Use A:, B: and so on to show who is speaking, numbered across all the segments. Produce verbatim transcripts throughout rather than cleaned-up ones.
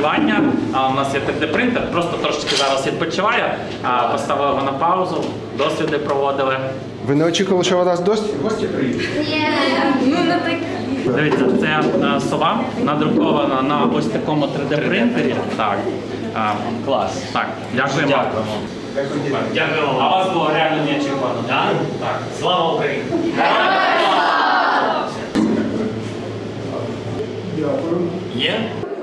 A: моделювання. А у нас є три дэ принтер, просто трошечки зараз відпочиває. А, поставили його на паузу, досліди проводили.
B: Ви не очікували, що у нас гості? Гості приїдуть?
C: Ну, не так.
A: Дивіться, це е, сова надрукована на ось такому три дэ принтері. Так. А,
D: Клас.
A: так, дякуємо.
D: Дякуємо. Дякуємо.
A: А у вас було реально неочікувано.
D: Так?
A: Так.
D: Слава Україні!
B: Дякую.
D: Є?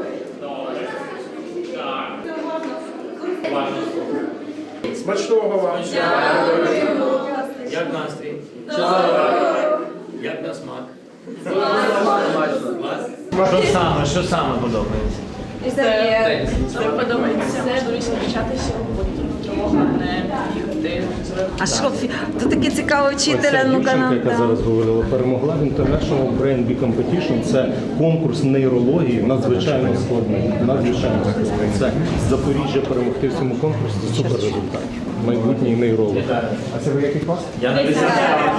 B: Смачного вам.
D: Як настрій? Як на смак? Клас? Що саме, що саме подобається?
C: Це, це подобається можливість навчатися, бути тривога, не їхати.
E: А що, фі- то таке цікаве вчителя, ну-ка
F: Дівчинка,
E: нам.
F: яка зараз говорила, перемогла в International Brain Bee Competition. Це конкурс нейрології, надзвичайно складний. Надзвичайно складний. Це з Запоріжжя перемогти в цьому конкурсі. Це супер результат. Майбутній нейролог.
B: А це ви який клас?
D: Я на десятому.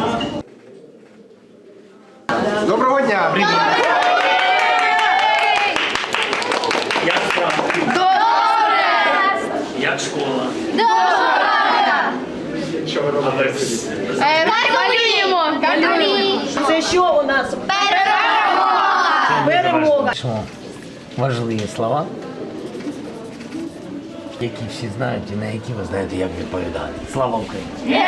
B: Доброго дня!
D: Як справа? Як школа?
B: Що ви робите?
C: Малюємо! Малюємо!
E: Це що у нас? Перемога!
G: Важливі слова, які всі знають і на які ви знаєте, як відповідати. Слава Україні!